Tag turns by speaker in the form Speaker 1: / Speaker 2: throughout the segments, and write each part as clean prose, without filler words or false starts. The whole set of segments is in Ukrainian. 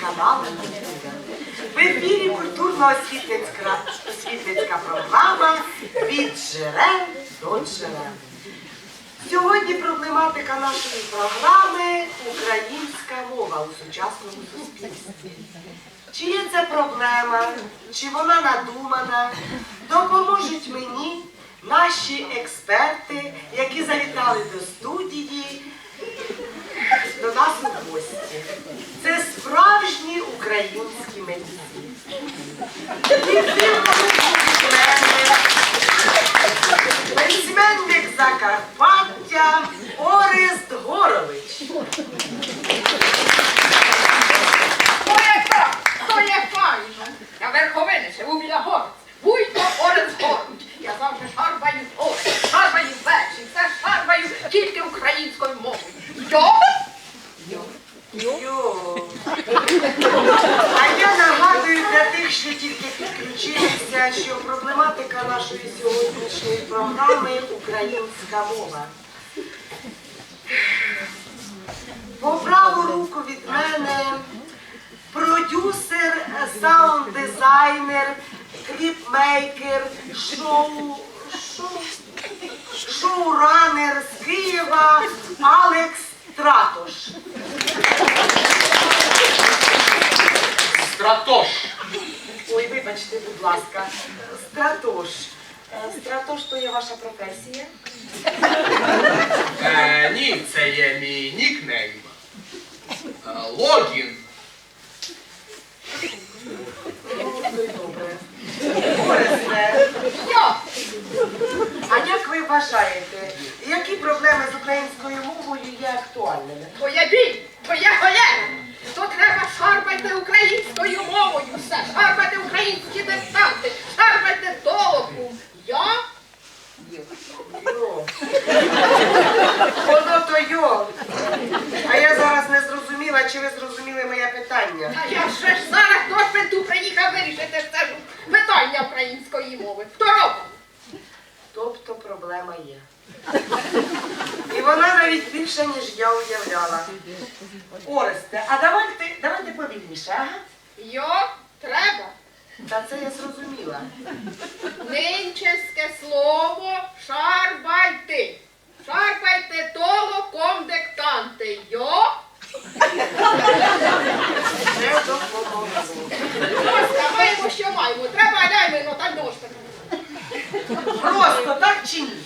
Speaker 1: канал «Культура». В ефірі культурно-освітницька програма «Від джерел до джерел». Сьогодні проблематика нашої програми – українська мова у сучасному суспільстві. Чи є це проблема, чи вона надумана, допоможуть мені наші експерти, які завітали до студії, до нас у гості. Це справжні українські митці. Письменник Закарпаття Орест Горович.
Speaker 2: То є файно. Я верховини живу біля Горця. Вуйко Орест Горович. Я завжди шарбаю гори, шарбаю вечі, все шарбаю тільки українською мовою.
Speaker 1: А я нагадую для тих, що тільки підключилися, що проблематика нашої сьогоднішньої програми – українська мова. По праву руку від мене продюсер, саунд-дизайнер, кліпмейкер, шоуранер з Києва Алекс Стратош.
Speaker 3: Стратош.
Speaker 1: Ой, вибачте, будь ласка. Стратош. Стратош – то є ваша професія?
Speaker 3: Ні, це є мій нікнейм. Логін.
Speaker 1: Ну, то й добре. Оресте, а як ви вважаєте, які проблеми з українською мовою є актуальними?
Speaker 2: То є біль, то є холера. То треба шарпати українською мовою все. Шарпати українські диктанти, шарпати толоку.
Speaker 1: Воно то йо. А я зараз не зрозуміла, чи ви зрозуміли моє питання.
Speaker 2: А я ще ж зараз до Шпенту приїхав вирішити це ж питання української мови. Хто робить?
Speaker 1: Тобто проблема є. І вона навіть більше, ніж я уявляла. Оресте, а давайте повільніше, ага?
Speaker 2: Треба.
Speaker 1: Та це я зрозуміла.
Speaker 2: Нинчеське слово шарбайте. Шарпайте толоком диктанти.
Speaker 1: Не допомогло.
Speaker 2: Ось, маємо, що маємо. Треба ляймено та дошка.
Speaker 1: Просто так чи ні?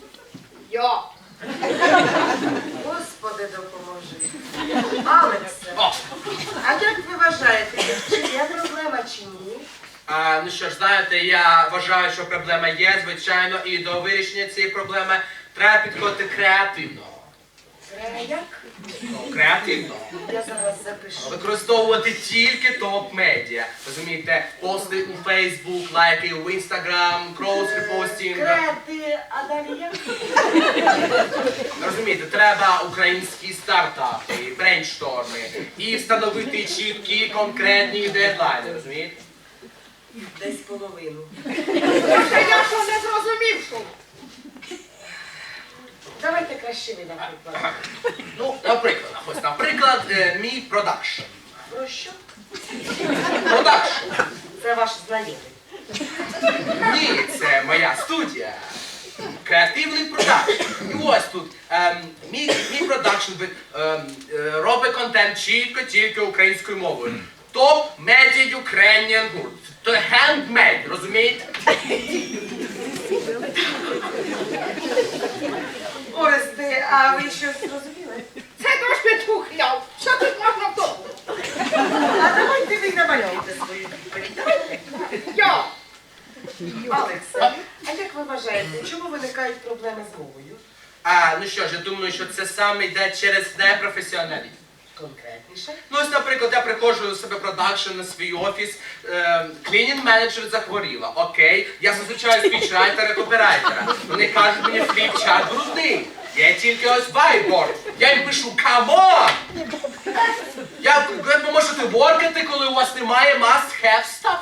Speaker 1: Господи, допоможи. Алексе, а як ви вважаєте, чи є проблема чи ні?
Speaker 3: Ну що ж, знаєте, я вважаю, що проблема є, звичайно, і до вирішення цієї проблеми треба підходити креативно.
Speaker 1: Як?
Speaker 3: Креативно.
Speaker 1: Я зараз запишу.
Speaker 3: Використовувати тільки топ-медіа. Розумієте, пости у Facebook, лайки у Instagram, крос-репостінг.
Speaker 1: Креати, а далі як?
Speaker 3: Розумієте, треба українські стартапи, брейншторми і встановити чіткі, конкретні дедлайни, розумієте?
Speaker 1: Десь половину.
Speaker 2: Може, я що не зрозумів, що?
Speaker 1: Давайте краще ви, наприклад.
Speaker 3: Ну, наприклад, мій продакшн.
Speaker 1: Про що?
Speaker 3: Продакшн.
Speaker 1: Це ваш знайомий.
Speaker 3: Ні, це моя студія. Креативний продакшн. І ось тут мій продакшн робить контент чітко, тільки українською мовою. Top Media Ukrainian Group. То handmade, розумієте?
Speaker 1: Оресте, а ви щось зрозуміли?
Speaker 2: Це дощ підхухляв. Що тут можна в тому?
Speaker 1: А давайте ви намалюєте свою відповідь. Давайте. Алексе, а як ви вважаєте, чому виникають проблеми з мовою?
Speaker 3: Ну що ж, я думаю, що це саме йде через непрофесіоналізм.
Speaker 1: Конкретніше?
Speaker 3: Ну ось, наприклад, я приходжу до себе продакшн на свій офіс, клінінг-менеджер захворіла, окей, я зустрічаю спічрайтера, копірайтера. Вони кажуть мені, фліп-чат брудний. Я тільки ось вайборд. Я їм пишу, камон! Ви можете воркати, коли у вас немає must-have stuff?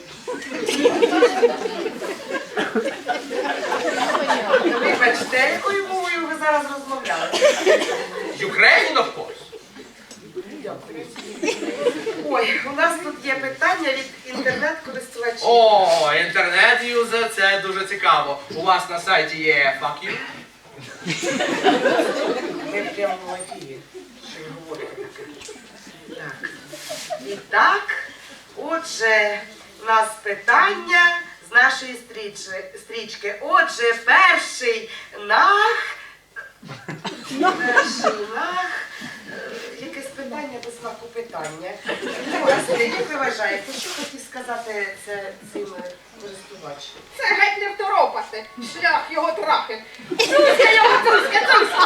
Speaker 1: Вибачте, якою мовою ви зараз розмовляли?
Speaker 3: Ukrainian, of course.
Speaker 1: Дякую. Ой, у нас тут є питання від інтернет-користувачів.
Speaker 3: О, інтернет-юзер, це дуже цікаво. У вас на сайті є fuck you?
Speaker 1: Ми в прямому ефірі. Що ви говорите таке? Так. І так, отже, у нас питання з нашої стрічки. Отже, перший нах. Якесь питання без знаку питання. Ось, як ви вважаєте, що хотів сказати цим користувач?
Speaker 2: Це геть не второпати. Шлях його трахи. Цуська його, цуська.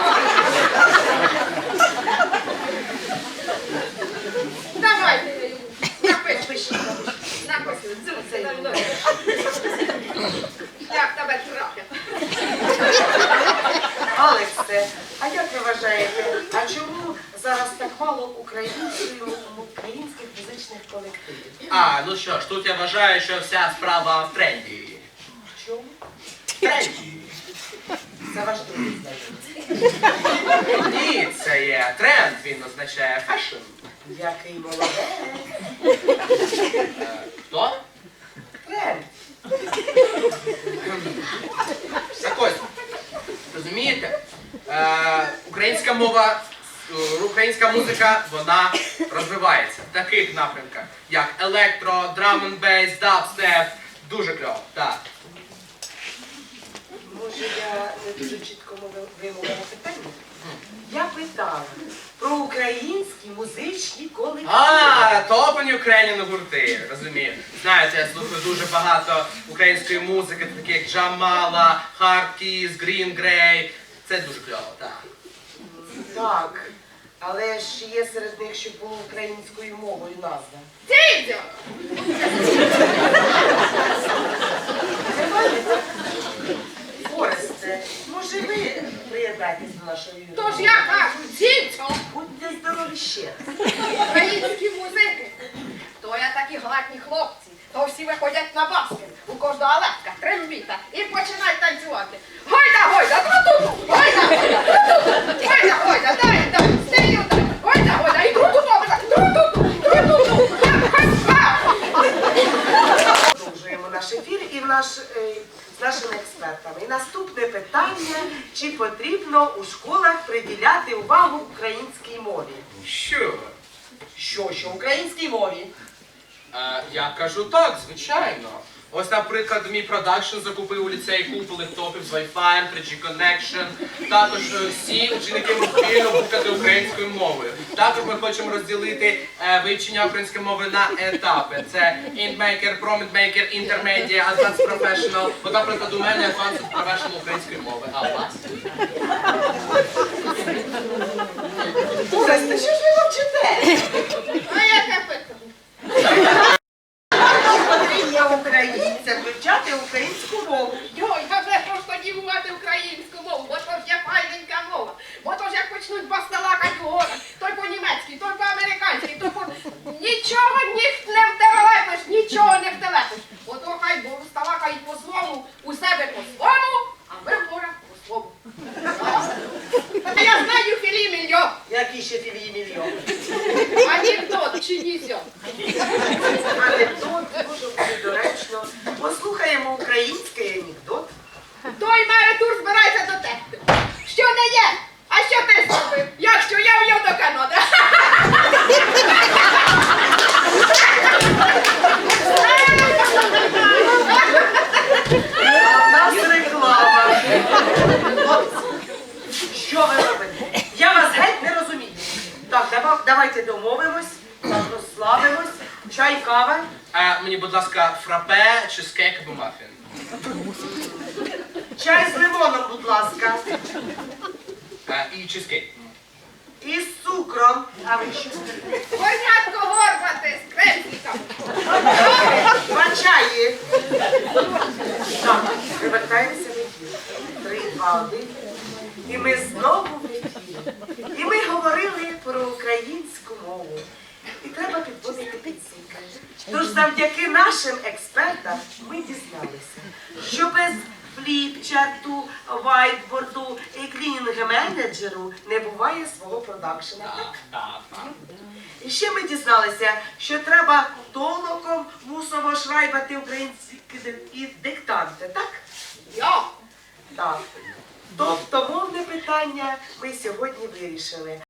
Speaker 2: Давайте я йому. Напиши. Напиши. Цуська. Шлях тебе трахи.
Speaker 1: Алексе, а як ви вважаєте, а чому зараз так мало українських музичних колективів?
Speaker 3: Ну що ж, тут я вважаю, що вся справа в тренді.
Speaker 1: В чому?
Speaker 3: Тренді.
Speaker 1: Це ваш другий знайомий.
Speaker 3: Ні, це є тренд, він означає фешн.
Speaker 1: Який молодець.
Speaker 3: Хто?
Speaker 1: Тренд.
Speaker 3: Так ось, розумієте? Українська мова, українська музика, вона розвивається в таких напрямках, як електро, драм н бейс, дабстеп. Дуже кльово, так.
Speaker 1: Може, я не дуже чітко вимовила питання? Я питала про українські музичні колективи.
Speaker 3: Топані Україні гурти, розумію. Знаєте, я слухаю дуже багато української музики, такі як Джамала, Hardkiss, Green Grey. Це дуже кльово, так.
Speaker 1: Так, але ж є серед них, що було українською мовою назва.
Speaker 2: Дідьо!
Speaker 1: Оресте, може ви приєднайтесь до нашої юридики?
Speaker 2: Тож я кажу, дідьо!
Speaker 1: Будьте здорові ще раз.
Speaker 2: Українські музики. То я такі гладні хлопці, то всі виходять на баскет. У кожного лепка, трембіта і починають танцювати. Гойда, гойда, тру-ту-ту! Гойда, гойда, тру-ту-ту! Гойда, гойда, дай, стилю, дай! Гойда, гойда, і тру-ту-ту! Тру-ту-ту! Тру-ту-ту!
Speaker 1: Продовжуємо наш ефір і з нашими експертами. І наступне питання, чи потрібно у школах приділяти увагу українській мові?
Speaker 3: Що?
Speaker 1: Що українській мові?
Speaker 3: Я кажу так, звичайно. Ось, наприклад, мій продакшн закупив у ліцеї купу лептопів з Wi-Fi, 3G Connection. Також всі ученики можуть спільно букати українською мовою. Також ми хочемо розділити вивчення української мови на етапи. Це Intmaker, ProMidmaker, Intermedia, Advanced Professional. От, наприклад, у мене Advanced Professional української мови. А у вас?
Speaker 1: Оресте, що ж ви мовчите?
Speaker 2: А яке питання?
Speaker 1: Потрібно українцям вивчати українську мову.
Speaker 2: Йой, та вже ж тоді мувати українську мову, бо то ж є файненька мова. Бо то ж як почнуть басталакать у горах, той по-німецьки, той по-американськи, той по... Нічого не втерелепиш, нічого не втелепиш. Ото хай сталакають по-своєму, у себе по-своєму, а ми в горах по-своєму. Та я знаю Філі Мільйон.
Speaker 1: Який ще Філії Мільйон?
Speaker 2: Анекдот чи нізьо.
Speaker 1: Анекдот дуже буде доречно. Послухаємо український анекдот.
Speaker 2: Той мере тур збирається до тебе. Що не є? А що ти зробив? Якщо я в'їв до Канади.
Speaker 1: А в нас реклама. Хлопці, що ви робите? Я вас геть не розумію. Так, давайте домовимось, так розслабимось. Чай, кава.
Speaker 3: Мені, будь ласка, фрапе, чизкейк або мафін.
Speaker 1: Чай з лимоном, будь ласка.
Speaker 3: І чизкейк.
Speaker 1: І з цукром. А ви що?
Speaker 2: Горнятко горбати з крензиком.
Speaker 1: Два чаї. Так, привертаємося в ефір. 3, 2, 1. І ми знову в ефірі. І ми говорили про українську мову. І треба підводити підсумки. Тож завдяки нашим експертам ми дізналися, що без фліпчарту, вайтборду і клінінг-менеджеру не буває свого продакшена. Так?
Speaker 3: Так.
Speaker 1: І ще ми дізналися, що треба толоком мусово шрайбати українські диктанти, так?
Speaker 2: Я.
Speaker 1: Так. Тобто мовне питання ми сьогодні вирішили.